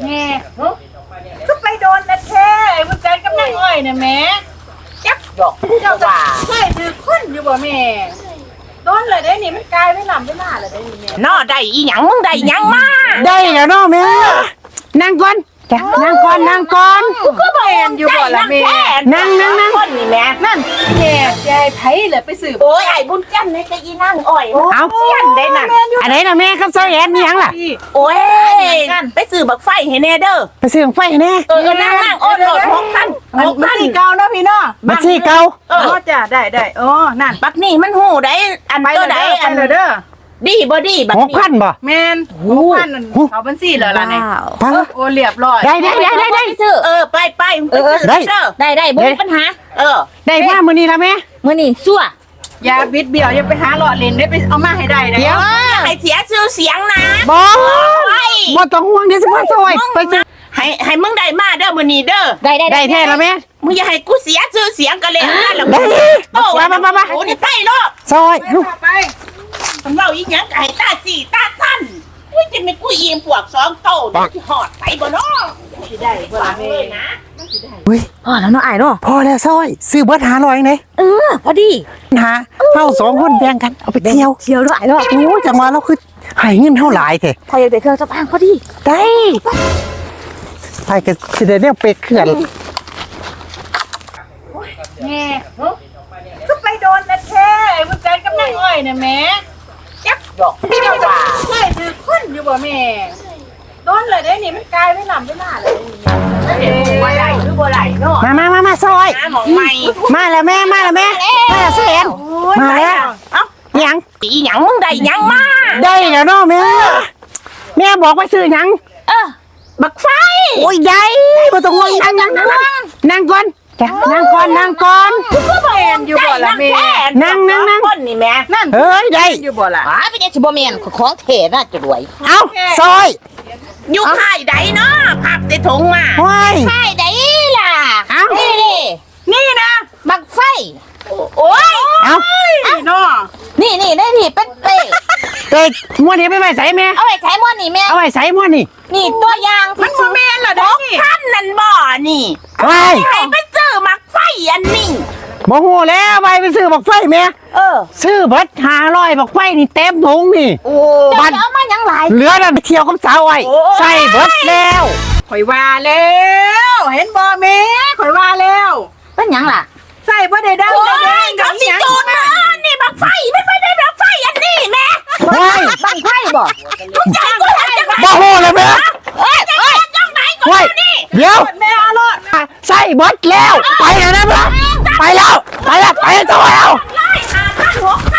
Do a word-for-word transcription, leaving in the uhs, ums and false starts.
แม่ก็ไปโดนนะแท้มันใจกับนางอ้อยนะแม่จักดอกเจ้าว่าใช่ถือคนอยู่บ่แม่โดนเลยได้นี่มันกลายไม่ลำไม่ล่าเลยได้นี่แม่นอได้อีหยังมึงได้หยังมาได้แล้วเนาะแม่นั่งก่อนจ้ะนั่งก่อนนั่งก่อนก็แม่นอยู่บ่ล่ะแม่นั่งนั่งนั่งคนนี่แม่นั่นแม่ยายไผเลยไปสืบโอ้ยไอ้บุญจันทร์นี่ก็อีนั่งอ้อยเอาเสียนได้น่ะอันไหนล่ะแม่ครับซอยแอนนี่ยังล่ะโอ้ยไปซื้อบักไฟให้แน่เด้อไปซื้อไฟให้แน่เออนั่งนั่งโอ้โหหกพันหกมันพันสีเก่าเนาะพี่เนาะบัตรซี่เก่าเออ๋ออจ้ะได้ได้อ๋อนั่นบักนี่มันหูได้อันไปตัวเลยใดเด้ออันไปเลยเด้อดีบ่ดีบักหกนี่พันบ่แม่นหกพันนั่นเขาบัญชีแล้วล่ะเนี่ยปังโอ้เรียบร้อยได้ได้ได้ได้ได้ซื้อเออไปไปไปซื้อได้เด้อได้ได้บ่มีปัญหาเออได้มามื้อนี้ละแม่มื้อนี้ซั่วอย่าบิดเบี้ยวอย่าไปหาหลอดเลนได้ไปเอามาให้ได้นะเดี๋ยวให้เสียชื่อเสียงนะบ่ไปบ่ต้องห่วงเดี๋ยวสิมาซอยไปซื้อให้ให้มึงได้มาเด้อมื้อนี้เด้อได้ได้ได้แท้ละแม่มึงอย่าให้กูเสียชื่อเสียงกันเลยนะแล้วได้โอ้มามามามาโอ้นี่ไปเนาะซอยลูกไปมันเว้าอีหยังก็ให้ตาสีตาสั้นอุ้ยจะไม่กูยิงพวกสองโตนี่ที่หอดไปบ่เนาะสิได้บ่ล่ะเลยนะเฮ้ยพอแล้วเนาะอ้ายเนาะพอแล้วซอยซื้อเบิดหาร้อยไหนเออพอดีหาเฮาสองคนแบ่งกันเอาไปเที่ยวเที่ยวด้วยอ้ายเนาะโอ้จังหวะเราคือให้เงินเท่าหลายแท้พออยากได้เครื่องสำอางพอดีได้ไปก็สิได้แนวเป็ดเขื่อนแม่ก็ไปโดนนะแท้มันใจกับนางอ้อยนะแม่จักดอกเจ้าว่าใช่ถือคนอยู่บ่แม่โดนเลยได้นี่มันกลายไม่ลำไม่ล่าเลยได้นี่แม่บ่ได้หรือบ่ได้เนาะมามามามาซอยหาหมองใหม่มาแล้วแม่มาแล้วแม่มาแล้วเสียนมาแล้วเอ้าหยังอีหยังมึงได้หยังมาได้แล้วเนาะแม่แม่บอกว่าซื้อหยังเออบักไฟโอ้ยใหญ่บ่ต้องห่วงนั่งนั่งนั่งนั่งก่อนจ้ะนั่งก่อนนั่งก่อนก็แม่นอยู่บ่ล่ะแม่นั่งนั่งนั่งคนนี่แม่นั่นเฮ้ยได้อยู่บ่ล่ะอ๋อเป็นจังสิบ่แม่นของเทน่าจะรวยเอาซอยอยู่ค่ายใดเนาะขับใส่ถุงมาว้ายใช่ได้ล่ะเอ้านี่ดินี่นะบักไฟโอ้ยเอาเนาะนี่นี่ได้นี่เป็นเป้เด็กม้วนนี้ไปไว้ใส่แม่เอาไว้ใช้หม้อนี่แม่เอาไว้ใส่ม้วนนี่นี่ตัวอย่างมันบ่แม่นล่ะหเด้อก นี่พันนั่นบ่นี่ว้ายให้ไปซื้อมักไฟอันนี้บ่ฮู้แล้วไปไปซื้อบักไฟแม่เออซื้อเบิดห้าร้อยบักไฟนี่เต็มถุงนี่โอ้บัดเดี๋ยวเอามาหยังหลายเหลือนั่นไปเที่ยวกับสาวไอ้ใส่เบิดแล้วข่อยว่าแล้ว เห็นบ่แม่ข่อยว่าแล้วเป็นหยังล่ะใส่บ่ได้ดังโอ้ได้แดยงเขาสิจูดมานี่มักไฟไม่ไปได้มักไฟอันนี้แม่ว้ายบังไฟบ่ใจกูทำจังไงบ่ฮู้เลยแม่เอ้ยเอ้ยจังไหนกูว้ายนี่เดี๋ยวแม่เอารถใส่เบิดแล้วไปแล้วนะเพื่อนไปแล้วไปแล้วไปแล้วตัวแล้วไล่หาพันหก